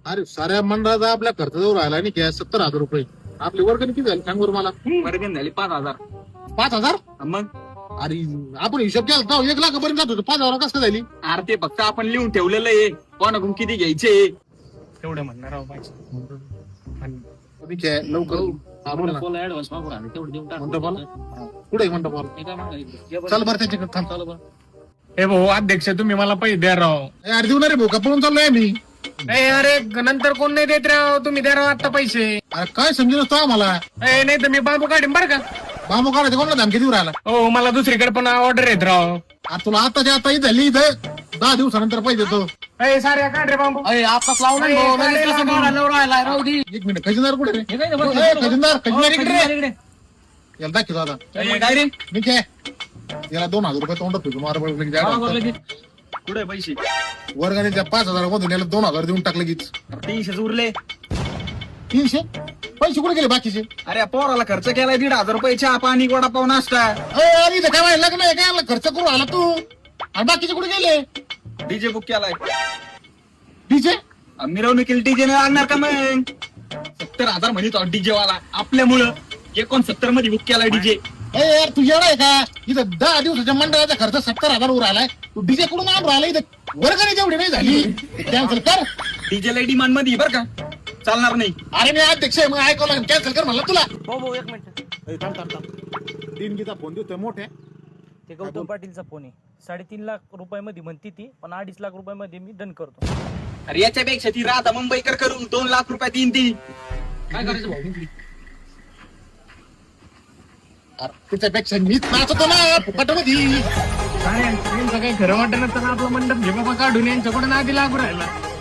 अरे साऱ्या मंडळाचा आपल्या खर्चाजवळ राहिला नाही काय 70,000 रुपये. आपली वर्गणी किती झाली सांग बरं मला. वर्गण झाली 5,000. 5,000? मग अरे आपण हिशोब केला तर 1 लाखापर्यंत जात होतो. 5,000 कसं झाली? अरे ते फक्त आपण लिहून ठेवलेलं आहे कोणाकडून किती घ्यायचे तेवढं म्हणणार राव ठीक आहे, लवकर हा, बोला ना. ऍडव्हान्स मागून आले तेवढं देऊन टाक. मंडपाला कुठे मंडपाला हे काय मागायचं? चल बरं त्याच्याकडे थांब. चालू बरं. हे भाऊ अध्यक्ष तुम्ही मला पैसे द्या राव. अरे देऊ ना रे भाऊ, का पळून चाललोय मी. अरे नंतर कोण नाही देत राव, तुम्ही द्या राव आता पैसे. अरे काय समजून नसतो आम्हाला. नाही तर मी बाबू काढीन बरं का. बाबू काढायचं कोणाला धमकी देऊ राहिला. हो मला दुसरीकडे पण ऑर्डर येत राव. आता तुला आताच्या आता ही झाली इथं 10 दिवसानंतर पैसे देतो. साऱ्या काढ रे बाबू. आताच लावलं ना भाऊ, लगेच कसं काढायला राहिलाय, राहू दे. 1 मिनिट, खजिनदार कुठे रे? हे काय ते बघ, ए, खजिनदार इकडे रे. इकडे. याला दाखव दादा. काय रे मी काय याला 2,000 रुपये तोंडात ठेवतो. मार बरोबर लगेच. कुठे पैसे वर्गाने 5,000 मधून याला 2,000 देऊन टाकले की 300 उरले. 300 पैसे कुठे गेले बाकीचे? अरे पोराला खर्च केलाय 1,500 रुपये चहा पाणी वडापाव नाश्ता. अरे इथं काय व्हायला लग्न आहे काय खर्च करू आला तू आणि बाकीचे कुठे गेले? डीजे बुक केलाय. डीजे मिरवणुकीला डीजे लागणार का मग? 70,000 म्हणतो डीजे वाला आपल्यामुळं 69 मध्ये बुक केलाय डीजे. यार तू येणार आहे का? इथं 10 दिवसाच्या मंडळाचा खर्च 70,000 वर आलाय. तू डीजे कडून आणून राहिला इथं वर्गाने जेवढी नाही झाली कॅन्सल कर. डीजे ला डिमांड मध्ये बर का चालणार नाही. अरे मी अध्यक्ष आहे, मग ऐकावं लागेल. कॅन्सल कर म्हणलं तुला. भाऊ भाऊ एक मिनिट. दिनगीचा फोन देतोय मोठे. ते गौतम पाटीलचा फोन आहे. 3.5 लाख रुपयामध्ये म्हणती ती, पण 2.5 लाख रुपयामध्ये मी डन करतो. अरे याच्यापेक्षा ती राहता मुंबईकर करून 2 लाख रुपये देईन ती. काय करायचं भाऊ? त्याच्यापेक्षा मीच नाचतो ना फुकटमध्ये. यांचं काही खरं वाटत नसताना आपला मंडप घे बाबा काढून यांच्याकडून आधी लागू राहिला.